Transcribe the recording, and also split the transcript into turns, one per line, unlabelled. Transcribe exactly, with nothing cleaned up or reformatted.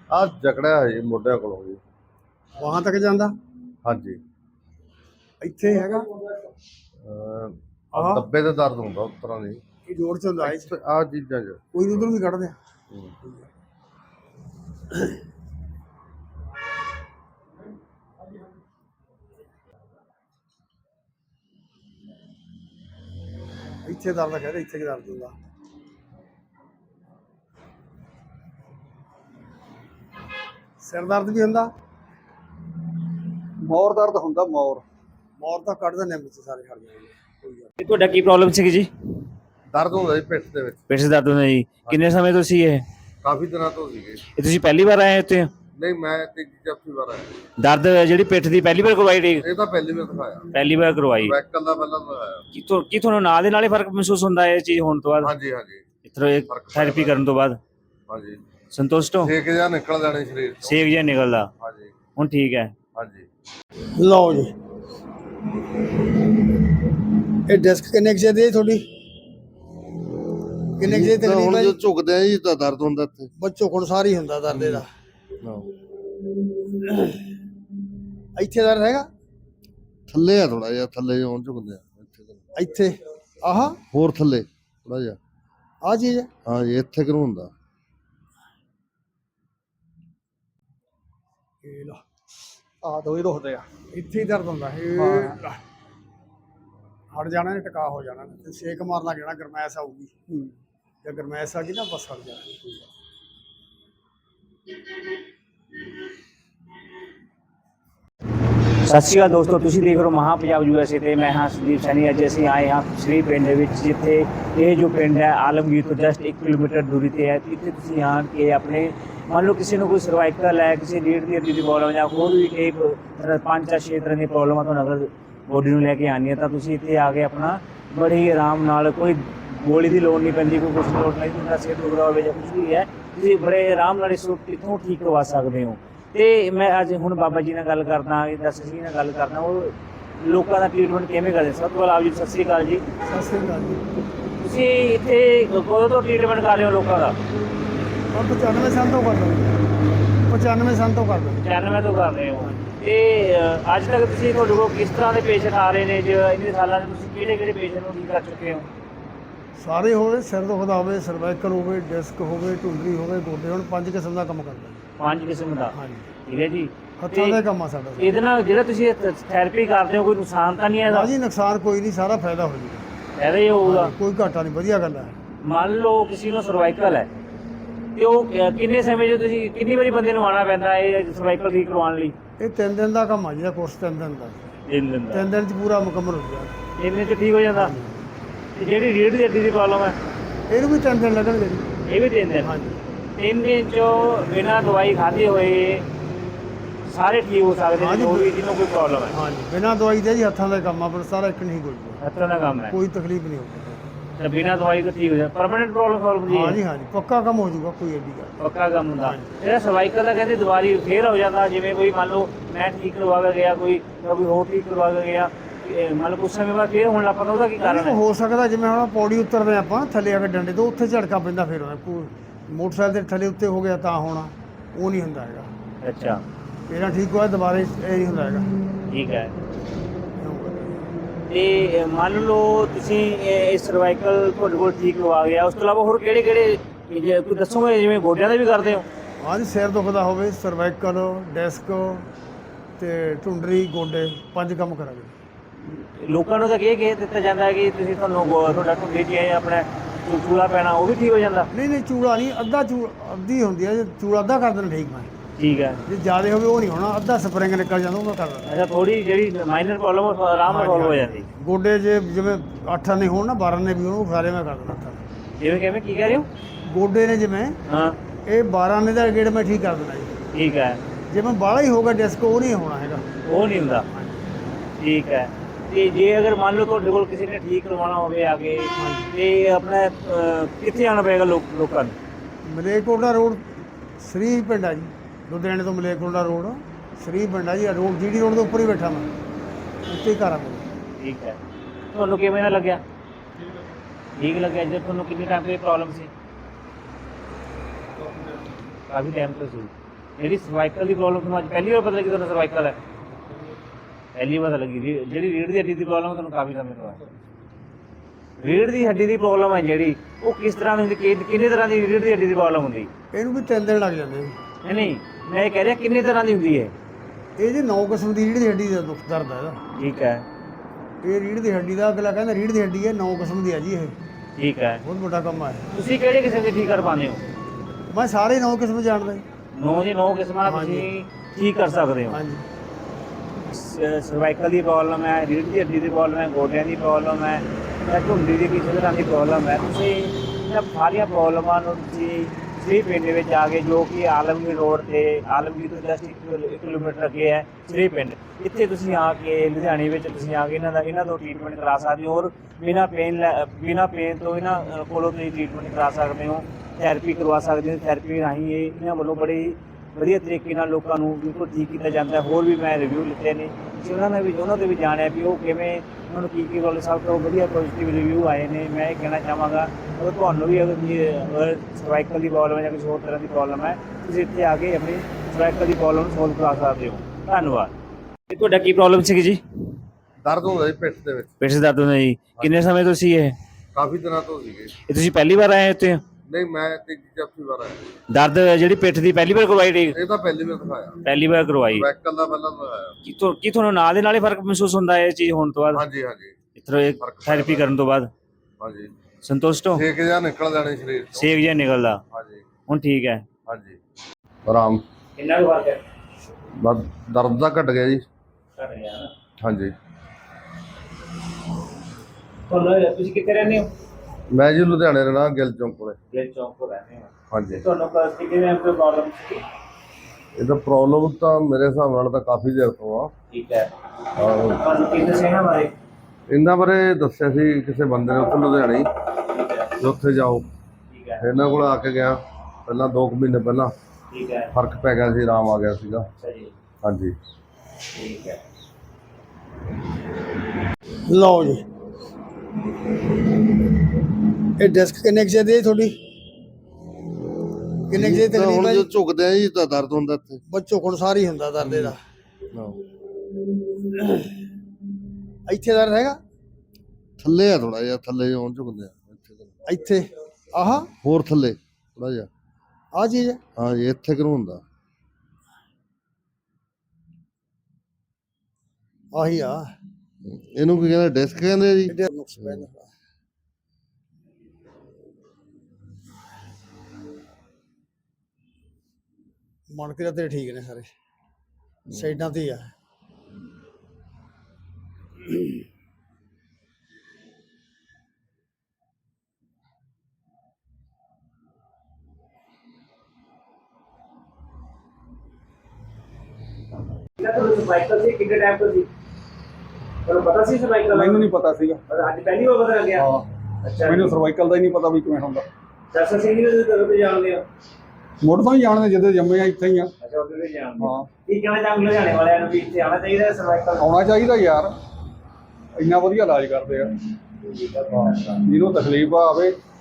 ਆ ਜਕੜਿਆ ਹੈ ਜੀ ਮੋਢਿਆਂ ਕੋਲੋਂ ਜੀ।
वहां तक जांदा
ਹਾਂਜੀ।
ਇੱਥੇ ਹੈਗਾ
ਅਹ, ਆਹ
ਆਹ
ਦੱਬੇ ਤੇ ਦਰਦ ਹੁੰਦਾ ਉਸ ਤਰ੍ਹਾਂ ਦੀ
ਇਹ ਜੋੜ ਚ ਹੁੰਦਾ
ਇੱਥੇ ਆ ਚੀਜ਼ਾਂ 'ਚ।
ਕੋਈ ਉਧਰ ਵੀ ਕੱਢਦੇ ਆ।
ਹੂੰ।
ਇੱਥੇ ਦਰਦ ਕਹਿੰਦੇ ਇੱਥੇ ਕੀ ਦਰਦ ਹੁੰਦਾ। ਸਿਰ ਦਰਦ ਵੀ ਹੁੰਦਾ।
ਮੌਰ ਦਰਦ ਹੁੰਦਾ ਮੌਰ
ਮੌਰ ਤਾਂ ਕੱਢ ਦਿੰਦੇ ਵਿੱਚ ਸਾਰੇ ਖੜ ਜਾਂਦੇ ਕੋਈ ਗੱਲ
ਇਹ ਤੁਹਾਡਾ ਕੀ ਪ੍ਰੋਬਲਮ ਸੀ ਜੀ?
ਦਰਦ ਹੁੰਦਾ ਜੀ ਪਿੱਠ ਦੇ ਵਿੱਚ।
ਪਿੱਠ 'ਚ ਦਰਦ ਹੁੰਦਾ ਜੀ। ਕਿੰਨੇ ਸਮੇਂ ਤੋਂ ਸੀ ਇਹ?
ਕਾਫੀ ਦਿਨਾਂ ਤੋਂ ਸੀਗੇ।
ਇਹ ਤੁਸੀਂ ਪਹਿਲੀ ਵਾਰ ਆਏ ਇੱਥੇ?
ਨਹੀਂ, ਮੈਂ ਤੀਜੀ ਚੌਥੀ ਵਾਰ ਆਇਆ।
ਦਰਦ ਜਿਹੜੀ ਪਿੱਠ ਦੀ ਪਹਿਲੀ ਵਾਰ ਕਰਵਾਈ ਠੀਕ?
ਇਹ ਤਾਂ ਪਹਿਲੀ ਵਾਰ ਦਿਖਾਇਆ।
ਪਹਿਲੀ ਵਾਰ ਕਰਵਾਈ।
ਵੈਕਲ ਦਾ ਪਹਿਲਾਂ ਦਿਖਾਇਆ।
ਕੀ ਤੁਹਾ- ਕੀ ਤੁਹਾਨੂੰ ਨਾਲ ਦੇ ਨਾਲ ਹੀ ਫਰਕ ਮਹਿਸੂਸ ਹੁੰਦਾ ਹੈ ਇਹ ਚੀਜ਼ ਹੋਣ ਤੋਂ ਬਾਅਦ?
ਹਾਂਜੀ ਹਾਂਜੀ
ਇੱਥੇ ਥੈਰੇਪੀ ਕਰਨ ਤੋਂ ਬਾਅਦ
ਹਾਂਜੀ।
ਸੰਤੁਸ਼ਟ ਹੋ?
ਛੇਕ ਜਿਹਾ ਨਿਕਲ ਜਾਣੇ ਸਰੀਰ ਤੋਂ।
ਸੇਕ ਜਿਹਾ ਨਿਕਲਦਾ
ਹਾਂਜੀ
ਹੁਣ ਠੀਕ ਹੈ?
ਹਾਂਜੀ।
ਲਓ ਜੀ ਇਹ ਡਿਸਕ ਕਿੰਨੇ ਕੁ ਦੀ ਹੈ ਤੁਹਾਡੀ? ਕਿੰਨੇ ਕੁ ਦੀ ਤਕਲੀਫ ਹੈ?
ਜੋ ਝੁਕਦੇ ਆ ਜੀ ਤਾਂ ਦਰਦ ਹੁੰਦਾ ਇੱਥੇ।
ਬੱਚੋ ਕੋਲ ਸਾਰੀ ਹੁੰਦਾ ਦਰਦ ਇਹਦਾ। ਇੱਥੇ ਦਰਦ ਹੈਗਾ?
ਥੱਲੇ ਆ ਥੋੜਾ ਜਿਹਾ, ਥੱਲੇ ਜਿਹਾ ਝੁਕਦੇ ਆ ਇੱਥੇ।
ਇੱਥੇ ਆਹ
ਹੋਰ ਥੱਲੇ ਥੋੜਾ ਜਿਹਾ।
ਆਹ ਚੀਜ਼ ਹੈ?
ਹਾਂ ਜੀ, ਇੱਥੇ ਕਿਉਂ ਹੁੰਦਾ?
ਇਹ ਲਾ ਆਹ ਦੋ ਹੀ ਦੁਖਦੇ ਆ। ਇੱਥੇ ਹੀ ਦਰਦ ਹੁੰਦਾ ਇਹ। ਹਟ ਜਾਣਾ ਨੇ, ਟਿਕਾ ਹੋ ਜਾਣਾ ਤੇ ਛੇਕ ਮਾਰਨ ਲੱਗ ਜਾਣਾ, ਗਰਮੈਸ਼ ਆਊਗੀ। ਜੇ ਗਰਮੈਸ਼ ਆ ਗਈ ਨਾ ਬਸ ਹਟ ਜਾਣਾ।
ਸਤਿ ਸ਼੍ਰੀ ਅਕਾਲ ਦੋਸਤੋ, ਤੁਸੀਂ ਦੇਖ ਰਹੇ ਹੋ ਮਹਾ ਪੰਜਾਬ ਯੂਐਸਏ ਤੇ ਮੈਂ ਹਾਂ ਸੰਦੀਪ ਸੈਣੀ। ਅੱਜ ਅਸੀਂ ਆਏ ਹਾਂ ਸ੍ਰੀ ਪਿੰਡ ਦੇ ਵਿੱਚ, ਜਿੱਥੇ ਇਹ ਜੋ ਪਿੰਡ ਹੈ ਆਲਮਗੀਰ ਤੋਂ ਜਸਟ ਇੱਕ ਕਿਲੋਮੀਟਰ ਦੂਰੀ ਤੇ ਹੈ। ਇੱਥੇ ਤੁਸੀਂ ਆ ਕੇ ਆਪਣੇ ਮੰਨ ਲਓ ਕਿਸੇ ਨੂੰ ਕੋਈ ਸਰਵਾਈਕਲ ਹੈ, ਕਿਸੇ ਰੀੜ ਦੀ ਹੱਡੀ ਦੀ ਪ੍ਰੋਬਲਮ ਜਾਂ ਹੋਰ ਵੀ ਕਈ ਪੰਜ ਜਾਂ ਛੇ ਤਰ੍ਹਾਂ ਦੀ ਪ੍ਰੋਬਲਮਾਂ ਤੁਹਾਨੂੰ ਅਗਰ ਬੋਡੀ ਨੂੰ ਲੈ ਕੇ ਆਉਣੀ ਹੈ ਤਾਂ ਤੁਸੀਂ ਇੱਥੇ ਆ ਕੇ ਆਪਣਾ ਬੜੇ ਹੀ ਆਰਾਮ ਨਾਲ, ਕੋਈ ਗੋਲੀ ਦੀ ਲੋੜ ਨਹੀਂ ਪੈਂਦੀ, ਕੋਈ ਕੁਛ ਲੋੜ ਨਹੀਂ, ਤੁਹਾਡਾ ਸਿਰ ਦੁਖਦਾ ਹੋਵੇ ਜਾਂ ਕੁਛ ਵੀ ਹੈ, ਤੁਸੀਂ ਬੜੇ ਆਰਾਮ ਨਾਲ ਇਸ ਨੂੰ ਇੱਥੋਂ ਠੀਕ ਕਰਵਾ ਸਕਦੇ ਹੋ। ਤੇ ਮੈਂ ਅੱਜ ਹੁਣ ਬਾਬਾ ਜੀ ਨਾਲ ਗੱਲ ਕਰਦਾ, ਦਸ ਜੀ ਨਾਲ ਗੱਲ ਕਰਦਾ, ਉਹ ਲੋਕਾਂ ਦਾ ਟ੍ਰੀਟਮੈਂਟ ਕਿਵੇਂ ਕਰਦੇ। ਸਭ ਤੋਂ ਪਹਿਲਾਂ ਆਪ ਜੀ ਸਤਿ ਸ਼੍ਰੀ ਅਕਾਲ ਜੀ।
ਸਤਿ ਸ਼੍ਰੀ ਅਕਾਲ ਜੀ।
ਤੁਸੀਂ ਇੱਥੇ ਕਦੋਂ ਤੋਂ ਟ੍ਰੀਟਮੈਂਟ ਕਰ ਰਹੇ ਹੋ ਲੋਕਾਂ ਦਾ?
ਮੈਂ ਪਚਾਨਵੇਂ ਸਾਲ ਤੋਂ ਕਰਦਾ ਪਚਾਨਵੇਂ ਸਾਲ ਤੋਂ ਕਰਦਾ
ਪਚਾਨਵੇਂ ਤੋਂ ਕਰ ਰਹੇ ਹੋ। ਤੇ ਅ, ਅੱਜ ਤੱਕ ਤੁਸੀਂ ਤੁਹਾਡੇ ਕੋਲ ਕਿਸ ਤਰ੍ਹਾਂ ਦੇ ਪੇਸ਼ੈਂਟ ਆ ਰਹੇ ਨੇ? ਜੋ ਇੰਨੇ ਸਾਲਾਂ ਦੇ ਤੁਸੀਂ ਕਿਹੜੇ ਕਿਹੜੇ ਪੇਸ਼ੈਂਟ ਨੂੰ ਠੀਕ ਕਰ ਚੁੱਕੇ ਹੋ?
ਸਾਰੇ ਹੋਵੇ, ਸਿਰ ਦੁਖਦਾ ਹੋਵੇ, ਸਰਵਾਈਕਲ ਹੋਵੇ, ਡਿਸਕ ਹੋਵੇ, ਢੂੰਡਰੀ ਹੋਵੇ, ਗੋਡੇ ਹੋਣ, ਪੰਜ ਕਿਸਮ ਦਾ ਕੰਮ ਕਰਦਾ।
ਪੰਜ ਕਿਸਮ ਦਾ?
ਹਾਂਜੀ,
ਠੀਕ ਹੈ ਜੀ।
ਹੱਥਾਂ ਦਾ ਕੰਮ ਆ ਸਾਡਾ।
ਇਹਦੇ ਨਾਲ ਜਿਹੜਾ ਤੁਸੀਂ ਥੈਰੇਪੀ ਕਰਦੇ ਹੋ ਕੋਈ ਨੁਕਸਾਨ ਤਾਂ ਨਹੀਂ ਹੈ ਇਹਦਾ?
ਹਾਂ ਜੀ, ਨੁਕਸਾਨ ਕੋਈ ਨਹੀਂ, ਸਾਰਾ ਫਾਇਦਾ ਹੋ ਜੂਗਾ।
ਫਾਇਦਾ ਹੀ ਹੋਊਗਾ,
ਕੋਈ ਘਾਟਾ ਨਹੀਂ, ਵਧੀਆ ਗੱਲ ਹੈ।
ਮੰਨ ਲਓ ਕਿਸੇ ਨੂੰ ਸਰਵਾਈਕਲ ਹੈ ਤੇ ਉਹ ਅ, ਕਿੰਨੇ ਸਮੇਂ 'ਚ ਤੁਸੀਂ ਕਿੰਨੀ ਵਾਰੀ ਬੰਦੇ ਨੂੰ ਆਉਣਾ ਪੈਂਦਾ ਇਹ ਸਰਵਾਈਕਲ ਠੀਕ ਕਰਵਾਉਣ ਲਈ?
ਇਹ ਤਿੰਨ ਦਿਨ ਦਾ ਕੰਮ ਆ ਜੀ, ਇਹਦਾ ਕੋਰਸ ਤਿੰਨ ਦਿਨ ਦਾ।
ਤਿੰਨ ਦਿਨ ਦਾ?
ਤਿੰਨ ਦਿਨ ਚ ਪੂਰਾ ਮੁਕੰਮਲ ਹੋ ਜਾਏਗਾ।
ਤਿੰਨ ਦਿਨ 'ਚ ਠੀਕ ਹੋ ਜਾਂਦਾ? ਤੇ ਜਿਹੜੀ ਰੀੜ ਦੀ ਹੱਡੀ ਦੀ ਪ੍ਰੋਬਲਮ ਹੈ
ਇਹਨੂੰ ਵੀ ਤਿੰਨ ਦਿਨ ਲੱਗਣਗੇ ਜੀ।
ਇਹ ਵੀ ਤਿੰਨ ਦਿਨ?
ਹਾਂਜੀ।
ਤਿੰਨ ਦਿਨ 'ਚੋਂ ਬਿਨਾਂ ਦਵਾਈ ਖਾਧੇ ਹੋਏ ਸਾਰੇ ਠੀਕ ਹੋ ਸਕਦੇ ਨੇ,
ਹਾਂਜੀ।
ਜੋ ਵੀ ਜਿਹਨੂੰ ਕੋਈ ਪ੍ਰੋਬਲਮ ਹੈ?
ਹਾਂਜੀ, ਬਿਨਾਂ ਦਵਾਈ ਦੇ ਜੀ, ਹੱਥਾਂ ਦਾ ਕੰਮ ਆ, ਪਰ ਸਾਰਾ ਇੱਕ ਨਹੀਂ ਕੋਈ
ਹੱਥਾਂ ਦਾ ਕੰਮ ਹੈ,
ਕੋਈ ਤਕਲੀਫ ਨਹੀਂ ਹੋਊਗੀ।
ਤੇ ਬਿਨਾਂ ਦਵਾਈ ਤੋਂ ਠੀਕ ਹੋ ਜਾਂਦਾ? ਪਰਮਾਨੈਂਟ ਪ੍ਰੋਬਲਮ ਸੋਲਵ ਹੁੰਦੀ ਹੈ?
ਹਾਂਜੀ ਹਾਂਜੀ, ਪੱਕਾ ਕੰਮ ਹੋ ਜਾਊਗਾ, ਕੋਈ ਐਡੀ ਗੱਲ।
ਪੱਕਾ ਕੰਮ ਹੁੰਦਾ। ਜਿਹੜਾ ਸਰਵਾਈਕਲ ਦਾ ਕਹਿੰਦੇ ਦੁਬਾਰੀ ਫੇਰ ਹੋ ਜਾਂਦਾ, ਜਿਵੇਂ ਕੋਈ ਮੰਨ ਲਓ ਮੈਂ ਠੀਕ ਕਰਵਾ ਕੇ ਗਿਆ, ਕੋਈ ਜਾਂ ਕੋਈ ਹੋਰ ਠੀਕ ਕਰਵਾ ਕੇ ਗਿਆ, ਇਹ ਮੰਨ ਲਓ ਕੁਝ ਸਮੇਂ ਬਾਅਦ ਫੇਰ ਹੋਣ ਲੱਗ ਪੈਂਦਾ, ਉਹਦਾ ਕੀ ਕਾਰਨ
ਇਹ
ਹੈ?
ਹੋ ਸਕਦਾ ਜਿਵੇਂ ਹੁਣ ਪੌੜੀ ਉਤਰਦੇ ਆਪਾਂ ਥੱਲੇ ਆ ਕੇ ਡੰਡੇ ਤੋਂ, ਉੱਥੇ ਝਟਕਾ ਪੈਂਦਾ, ਫਿਰ ਹੋਣਾ। ਕੋਈ ਮੋਟਰਸਾਈਕਲ ਦੇ ਥੱਲੇ ਉੱਤੇ ਹੋ ਗਿਆ ਤਾਂ ਹੋਣਾ, ਉਹ ਨਹੀਂ ਹੁੰਦਾ ਹੈਗਾ।
ਅੱਛਾ,
ਇਹਨਾਂ ਠੀਕ ਹੋਇਆ ਦੁਬਾਰੇ ਇਹ ਨਹੀਂ ਹੁੰਦਾ ਹੈਗਾ।
ਠੀਕ ਹੈ। ਤੇ ਮੰਨ ਲਓ ਤੁਸੀਂ ਇਹ ਸਰਵਾਈਕਲ ਤੁਹਾਡੇ ਕੋਲ ਠੀਕ ਕਰਵਾ ਗਿਆ, ਉਸ ਤੋਂ ਇਲਾਵਾ ਹੋਰ ਕਿਹੜੇ ਕਿਹੜੇ ਜੇ ਕੋਈ ਦੱਸੋਗੇ? ਜਿਵੇਂ ਗੋਡਿਆਂ ਦਾ ਵੀ ਕਰਦੇ ਹੋ?
ਹਾਂਜੀ, ਸਿਰ ਦੁਖਦਾ ਹੋਵੇ, ਸਰਵਾਈਕਲ, ਡਿਸਕ ਤੇ ਢੂੰਡਰੀ, ਗੋਡੇ, ਪੰਜ ਕੰਮ ਕਰਾਂਗੇ।
ਲੋਕਾਂ ਨੂੰ ਤਾਂ ਇਹ ਕਹਿ ਦਿੱਤਾ ਜਾਂਦਾ ਹੈ ਕਿ ਤੁਸੀਂ ਤੁਹਾਨੂੰ ਗੋ- ਤੁਹਾਡਾ ਢੁੱਡੀ 'ਚ ਆਪਣਾ ਚੂ- ਚੂਲਾ ਪੈਣਾ, ਉਹ ਵੀ ਠੀਕ ਹੋ ਜਾਂਦਾ?
ਨਹੀਂ ਨਹੀਂ, ਚੂੜਾ ਨਹੀਂ, ਅੱਧਾ ਚੂ ਅੱਧੀ ਹੁੰਦੀ ਹੈ, ਜੇ ਚੂੜਾ ਅੱਧਾ ਕਰ ਦੇਣਾ ਠੀਕ ਮੈਂ।
ਠੀਕ ਹੈ।
ਜੇ ਜ਼ਿਆਦਾ ਹੋਵੇ ਉਹ ਨਹੀਂ ਹੋਣਾ, ਅੱਧਾ ਸਪਰਿੰਗ ਨਿਕਲ ਜਾਂਦਾ, ਉਹ ਮੈਂ ਕਰ ਦਿੰਦਾ।
ਅੱਛਾ, ਥੋੜੀ ਜਿਹੜੀ ਮਾਈਨਰ ਪ੍ਰੋਬਲਮ ਉਹ ਆਰਾਮ ਨਾਲ ਸੋਲਵ ਹੋ ਜਾਂਦੀ?
ਗੋਡੇ ਜੇ ਜਿਵੇਂ ਅੱਠ ਨੇ ਹੋਣ ਨਾ, ਬਾਰਾਂ ਨੇ ਵੀ, ਉਹਨੂੰ ਸਾਰੇ ਮੈਂ ਕਰ ਦਿੰਦਾ ਅੱਠਾਂ ਨੇ।
ਜਿਵੇਂ ਕਿਵੇਂ ਕੀ ਕਹਿ ਰਹੇ ਹੋ?
ਗੋਡੇ ਨੇ ਜਿਵੇਂ
ਹਾਂ,
ਇਹ ਬਾਰਾਂ ਨੇ ਦਾ ਗੇੜ ਮੈਂ ਠੀਕ ਕਰ ਦੇਣਾ ਜੀ।
ਠੀਕ ਹੈ।
ਜਿਵੇਂ ਬਾਹਲਾ ਹੀ ਹੋਗਾ ਡਿਸਕ, ਉਹ ਨਹੀਂ ਹੋਣਾ ਹੈਗਾ।
ਉਹ ਨਹੀਂ ਹੁੰਦਾ? ਠੀਕ ਹੈ। ਤੇ ਜੇ ਅਗਰ ਮੰਨ ਲਓ ਤੁਹਾਡੇ ਕੋਲ ਕਿਸੇ ਨੇ ਠੀਕ ਕਰਵਾਉਣਾ ਹੋਵੇ ਆ ਕੇ, ਤੇ ਆਪਣਾ ਅਹ, ਕਿੱਥੇ ਆਉਣਾ ਪਏਗਾ ਲੋਕ ਲੋਕਾਂ ਨੂੰ?
ਮਲੇਰਕੋਟਲਾ ਰੋਡ, ਸ੍ਰੀ ਪਿੰਡ ਆ ਜੀ, ਲੁਧਿਆਣੇ ਤੋਂ ਮਲੇਰਕੋਟਲਾ ਰੋਡ, ਸ੍ਰੀ ਪਿੰਡ ਆ ਜੀ। ਰੋਡ ਜੀਡੀ ਰੋਡ ਦੇ ਉੱਪਰ ਹੀ ਬੈਠਾ ਮੈਂ, ਉੱਤੇ ਹੀ ਘਰ ਆ ਮੇਰਾ।
ਠੀਕ ਹੈ। ਤੁਹਾਨੂੰ ਕਿਵੇਂ ਦਾ ਲੱਗਿਆ? ਠੀਕ ਲੱਗਿਆ? ਜੇ ਤੁਹਾਨੂੰ ਕਿੰਨੇ ਟਾਈਮ ਤੋਂ ਇਹ ਪ੍ਰੋਬਲਮ ਸੀ? ਕਾਫੀ ਟਾਈਮ ਤੋਂ ਸੀ। ਜਿਹੜੀ ਸਰਵਾਈਕਲ ਦੀ ਪ੍ਰੋਬਲਮ ਤੁਹਾਨੂੰ ਅੱਜ ਪਹਿਲੀ ਵਾਰ ਪਤਾ ਲੱਗੀ ਤੁਹਾਨੂੰ ਸਰਵਾਈਕਲ ਹੈ? ਪਹਿਲੀ ਵਾਰ ਲੱਗੀ ਜੀ। ਜਿਹੜੀ ਰੀੜ੍ਹ ਦੀ ਹੱਡੀ ਦੀ ਪ੍ਰੋਬਲਮ ਤੁਹਾਨੂੰ ਕਾਫੀ ਸਮੇਂ ਤੋਂ ਹੈ। ਰੀੜ੍ਹ ਦੀ ਹੱਡੀ ਦੀ ਪ੍ਰੋਬਲਮ ਹੈ ਜਿਹੜੀ ਉਹ ਕਿਸ ਤਰ੍ਹਾਂ ਦੀ ਹੁੰਦੀ, ਕਿ- ਕਿੰਨੇ ਤਰ੍ਹਾਂ ਦੀ ਰੀੜ੍ਹ ਦੀ ਹੱਡੀ ਦੀ ਪ੍ਰੋਬਲਮ ਹੁੰਦੀ?
ਇਹਨੂੰ ਵੀ ਤਿੰਨ ਦਿਨ ਲੱਗ ਜਾਂਦੇ ਜੀ।
ਨਹੀਂ ਨਹੀਂ ਮੈਂ ਇਹ ਕਹਿ ਰਿਹਾ ਕਿੰਨੇ ਤਰ੍ਹਾਂ ਦੀ ਹੁੰਦੀ ਹੈ?
ਇਹ ਜੀ ਨੌ ਕਿਸਮ ਦੀ ਰੀੜ੍ਹ ਦੀ ਹੱਡੀ ਦਾ ਦੁੱਖ ਦਰਦ ਹੈ ਇਹਦਾ।
ਠੀਕ ਹੈ
ਇਹ ਰੀੜ੍ਹ ਦੀ ਹੱਡੀ ਦਾ, ਅਗਲਾ ਕਹਿੰਦਾ ਰੀੜ੍ਹ ਦੀ ਹੱਡੀ ਹੈ, ਨੌ ਕਿਸਮ ਦੀ ਹੈ ਜੀ ਇਹ।
ਠੀਕ ਹੈ।
ਬਹੁਤ ਵੱਡਾ ਕੰਮ ਹੈ।
ਤੁਸੀਂ ਕਿਹੜੇ ਕਿਸਮ ਦੀ ਠੀਕ ਕਰ ਪਾਉਂਦੇ ਹੋ?
ਮੈਂ ਸਾਰੇ ਨੌ ਕਿਸਮ ਜਾਣਦਾ ਜੀ।
ਨੌ ਜੀ ਨੌ ਕਿਸਮਾਂ ਦਾ ਤੁਸੀਂ ਠੀਕ ਕਰ ਸਕਦੇ ਹੋ।
ਹਾਂਜੀ।
ਸਰਵਾਈਕਲ ਦੀ ਪ੍ਰੋਬਲਮ ਹੈ, ਰੀੜ੍ਹ ਦੀ ਹੱਡੀ ਦੀ ਪ੍ਰੋਬਲਮ ਹੈ, ਗੋਡਿਆਂ ਦੀ ਪ੍ਰੋਬਲਮ ਹੈ, ਜਾਂ ਢੁੰਡੀ ਦੀ ਕਿਸੇ ਤਰ੍ਹਾਂ ਦੀ ਪ੍ਰੋਬਲਮ ਹੈ, ਤੁਸੀਂ ਇਹਨਾਂ ਸਾਰੀਆਂ ਪ੍ਰੋਬਲਮਾਂ ਨੂੰ ਤੁਸੀਂ ਸ੍ਰੀ ਪਿੰਡ ਵਿੱਚ ਆ ਕੇ, ਜੋ ਕਿ ਆਲਮਗੀਰ ਰੋਡ ਤੇ ਆਲਮਗੀਰ ਤੋਂ ਜਸਟ ਇੱਕ ਕਿਲੋਮੀਟਰ ਅੱਗੇ ਹੈ ਸ੍ਰੀ ਪਿੰਡ, ਇੱਥੇ ਤੁਸੀਂ ਆ ਕੇ ਲੁਧਿਆਣੇ ਵਿੱਚ ਤੁਸੀਂ ਆ ਕੇ ਇਹਨਾਂ ਦਾ ਇਹਨਾਂ ਤੋਂ ਟ੍ਰੀਟਮੈਂਟ ਕਰਾ ਸਕਦੇ ਹੋ। ਔਰ ਬਿਨਾਂ ਪੇਨ ਬਿਨਾਂ ਪੇਨ ਤੋਂ ਇਹਨਾਂ ਕੋਲੋਂ ਤੁਸੀਂ ਟ੍ਰੀਟਮੈਂਟ ਕਰਾ ਸਕਦੇ ਹੋ, ਥੈਰੇਪੀ ਕਰਵਾ ਸਕਦੇ ਹੋ। ਥੈਰੇਪੀ ਰਾਹੀਂ ਇਹ ਇਹਨਾਂ ਵੱਲੋਂ ਬੜੀ ਵਧੀਆ ਤਰੀਕੇ ਨਾਲ ਲੋਕਾਂ ਨੂੰ ਬਿਲਕੁਲ ਠੀਕ ਕੀਤਾ ਜਾਂਦਾ ਹੈ। ਹੋਰ ਵੀ ਮੈਂ ਰਿਵਿਊ ਲਿੱਤੇ ਨੇ, ਅਸੀਂ ਉਹਨਾਂ ਨੇ ਵੀ ਉਹਨਾਂ ਤੋਂ ਵੀ ਜਾਣਿਆ ਵੀ ਉਹ ਕਿਵੇਂ, ਉਹਨਾਂ ਨੂੰ ਕੀ ਕੀ ਰੋਲ, ਸਭ ਤੋਂ ਵਧੀਆ ਪੋਜ਼ੀਟਿਵ ਰਿਵਿਊ ਆਏ ਨੇ। ਮੈਂ ਇਹ ਕਹਿਣਾ ਚਾਹਾਂਗਾ ਅਗਰ ਤੁਹਾਨੂੰ ਵੀ ਅਗਰ ਅਗਰ ਸਰਵਾਈਕਲ ਦੀ ਪ੍ਰੋਬਲਮ ਹੈ ਜਾਂ ਕਿਸੇ ਹੋਰ ਤਰ੍ਹਾਂ ਦੀ ਪ੍ਰੋਬਲਮ ਹੈ, ਤੁਸੀਂ ਇੱਥੇ ਆ ਕੇ ਆਪਣੀ ਸਰਵਾਈਕਲ ਦੀ ਪ੍ਰੋਬਲਮ ਨੂੰ ਸੋਲਵ ਕਰਾ ਸਕਦੇ ਹੋ। ਧੰਨਵਾਦ। ਇਹ ਤੁਹਾਡਾ ਕੀ ਪ੍ਰੋਬਲਮ ਸੀਗੀ ਜੀ?
ਦਰਦ ਹੁੰਦਾ ਜੀ ਪਿੱਠ ਦੇ ਵਿੱਚ।
ਪਿੱਠ ਦਰਦ ਹੁੰਦਾ ਜੀ। ਕਿੰਨੇ ਸਮੇਂ ਤੋਂ ਸੀ ਇਹ?
ਕਾਫੀ ਦਿਨਾਂ ਤੋਂ ਸੀਗੇ।
ਇਹ ਤੁਸੀਂ ਪਹਿਲੀ ਵਾਰ ਆਏ ਇੱਥੇ?
ਨਹੀਂ, ਮੈਂ ਤੀਜੀ ਚੌਥੀ ਵਾਰ ਆਇਆ।
ਦਰਦ ਜਿਹੜੀ ਪਿੱਠ ਦੀ ਪਹਿਲੀ ਵਾਰ ਕਰਵਾਈ ਠੀਕ?
ਇਹ ਤਾਂ ਪਹਿਲੀ ਵਾਰ ਦਿਖਾਇਆ।
ਪਹਿਲੀ ਵਾਰ ਕਰਵਾਈ।
ਵੈਕਲ ਦਾ ਪਹਿਲਾਂ ਦਿਖਾਇਆ।
ਕੀ ਤੁਹਾ- ਕੀ ਤੁਹਾਨੂੰ ਨਾਲ ਦੇ ਨਾਲ ਹੀ ਫਰਕ ਮਹਿਸੂਸ ਹੁੰਦਾ ਹੈ ਇਹ ਚੀਜ਼ ਹੋਣ ਤੋਂ ਬਾਅਦ?
ਹਾਂਜੀ ਹਾਂਜੀ
ਇੱਥੋਂ ਥੈਰੇਪੀ ਕਰਨ ਤੋਂ ਬਾਅਦ?
ਹਾਂਜੀ।
ਸੰਤੁਸ਼ਟ ਹੋ?
ਛੇਕ ਜਿਹਾ ਨਿਕਲ ਜਾਣੇ ਸਰੀਰ ਤੋਂ।
ਸੇਕ ਜਿਹਾ ਨਿਕਲਦਾ?
ਹਾਂਜੀ
ਹੁਣ ਠੀਕ ਹੈ?
ਹਾਂਜੀ ਆਰਾਮ।
ਕਿੰਨਾ ਕੁ ਫਰਕ ਹੈ?
ਬਸ ਦਰਦ ਤਾਂ ਘਟ ਗਿਆ ਜੀ।
ਘਟ ਗਿਆ ਨਾ।
ਹਾਂਜੀ।
ਤੁਹਾਨੂੰ ਤੁਸੀਂ ਕਿੱਥੇ ਰਹਿੰਦੇ ਹੋ?
ਮੈਂ ਜੀ ਲੁਧਿਆਣੇ ਰਹਿਣਾ, ਗਿੱਲ ਚੌਂਕ ਕੋਲੇ।
ਗਿੱਲ ਚੌਂਕ ਕੋਲ ਰਹਿੰਦੇ ਹੋ?
ਹਾਂਜੀ।
ਤੁਹਾਨੂੰ ਕਦ ਕਿਵੇਂ ਐਮ ਪ੍ਰੋਬਲਮ ਸੀ?
ਇਹ ਤਾਂ ਪ੍ਰੋਬਲਮ ਤਾਂ ਮੇਰੇ ਹਿਸਾਬ ਨਾਲ ਤਾਂ ਕਾਫੀ ਦੇਰ ਤੋਂ ਆ।
ਠੀਕ ਹੈ।
ਔਰ
ਤੁਹਾਨੂੰ ਕੀ ਦੱਸਿਆ ਇਹਨਾਂ ਬਾਰੇ?
ਇਹਨਾਂ ਬਾਰੇ ਦੱਸਿਆ ਸੀ ਕਿਸੇ ਬੰਦੇ ਨੇ ਉੱਥੇ ਲੁਧਿਆਣੇ, ਵੀ ਉੱਥੇ ਜਾਓ।
ਠੀਕ ਹੈ।
ਇਹਨਾਂ ਕੋਲ ਆ ਕੇ ਗਿਆ ਪਹਿਲਾਂ, ਦੋ ਕੁ ਮਹੀਨੇ ਪਹਿਲਾਂ।
ਠੀਕ ਹੈ।
ਫਰਕ ਪੈ ਗਿਆ ਸੀ, ਆਰਾਮ ਆ ਗਿਆ ਸੀਗਾ।
ਅੱਛਾ ਜੀ।
ਹਾਂਜੀ।
ਠੀਕ ਹੈ।
ਲਓ ਜੀ, ਇਹ ਡਿਸਕ ਕਿੰਨੇ ਕੁ ਦੀ ਹੈ ਤੁਹਾਡੀ? ਕਿੰਨੇ ਕੁ ਦੀ
ਤਾਂ ਹੁਣ
ਤਕਲੀਫ ਹੈ
ਜੋ
ਜੀ?
ਝੁਕਦੇ ਆ ਜੀ ਤਾਂ ਦਰਦ ਹੁੰਦਾ ਇੱਥੇ।
ਬੱਚੋ ਕੋਲ ਸਾਰੀ ਹੁੰਦਾ ਦਰਦ ਇਹਦਾ।
ਹਾਂ।
ਇੱਥੇ ਦਰਦ ਹੈਗਾ?
ਥੱਲੇ ਆ ਥੋੜਾ ਜਿਹਾ, ਥੱਲੇ ਹੁਣ ਝੁਕਦੇ ਆ ਇੱਥੇ।
ਇੱਥੇ ਆਹ
ਹੋਰ ਥੱਲੇ ਥੋੜਾ ਜਿਹਾ।
ਆਹ ਚੀਜ਼ ਹੈ?
ਹਾਂ ਜੀ, ਇੱਥੇ ਕਿਉਂ ਹੁੰਦਾ?
ਆਹੀ ਆ।
ਇਹਨੂੰ ਕੀ ਕਹਿੰਦੇ, ਡਿਸਕ ਕਹਿੰਦੇ ਆ ਜੀ।
ਇਹਦੇ ਨੁਕਸ ਪੈਂਦਾ। ਮਣਕੇ ਤਾਂ ਤੇਰੇ ਠੀਕ ਨੇ ਸਾਰੇ, ਸਾਈਡਾਂ ਤੇ ਹੀ ਆ।
ਸਰਵਾਈਕਲ ਸੀ ਕਿੰਨੇ ਟਾਈਮ ਤੋਂ ਸੀ? ਤੁਹਾਨੂੰ ਪਤਾ ਸੀ ਸਰਵਾਈਕਲ?
ਮੈਨੂੰ ਨਹੀਂ ਪਤਾ ਸੀਗਾ।
ਅੱਜ ਪਹਿਲੀ ਵਾਰ ਪਤਾ ਲੱਗਿਆ?
ਹਾਂ,
ਅੱਛਾ।
ਮੈਨੂੰ ਸਰਵਾਈਕਲ ਦਾ ਹੀ ਨਹੀਂ ਪਤਾ ਵੀ ਕਿਵੇਂ ਹੁੰਦਾ।
ਡਾਕਟਰ ਸਿੰਘ ਜੀ ਨੂੰ ਕਦੋਂ ਤੋਂ ਜਾਣਦੇ ਹੋ?
ਮੁੱਢ ਤੋਂ ਹੀ ਜਾਣਦੇ, ਜਦੋਂ ਜੰਮੇ ਆ ਇੱਥੇ ਹੀ ਆ।
ਅੱਛਾ, ਉਦੋਂ ਤੋਂ ਜਾਣਦੇ।
ਹਾਂ।
ਕੀ ਕਹਿਣਾ ਚਾਹੁੰਦੇ ਲੁਧਿਆਣੇ ਵਾਲਿਆਂ ਨੂੰ ਵੀ ਇੱਥੇ ਆਉਣਾ ਚਾਹੀਦਾ ਸਰਵਾਈਕਲ?
ਆਉਣਾ ਚਾਹੀਦਾ ਯਾਰ, ਇੰਨਾ ਵਧੀਆ ਇਲਾਜ ਕਰਦੇ ਆ। ਜਿਹਨੂੰ ਤਕਲੀਫ ਆਵੇ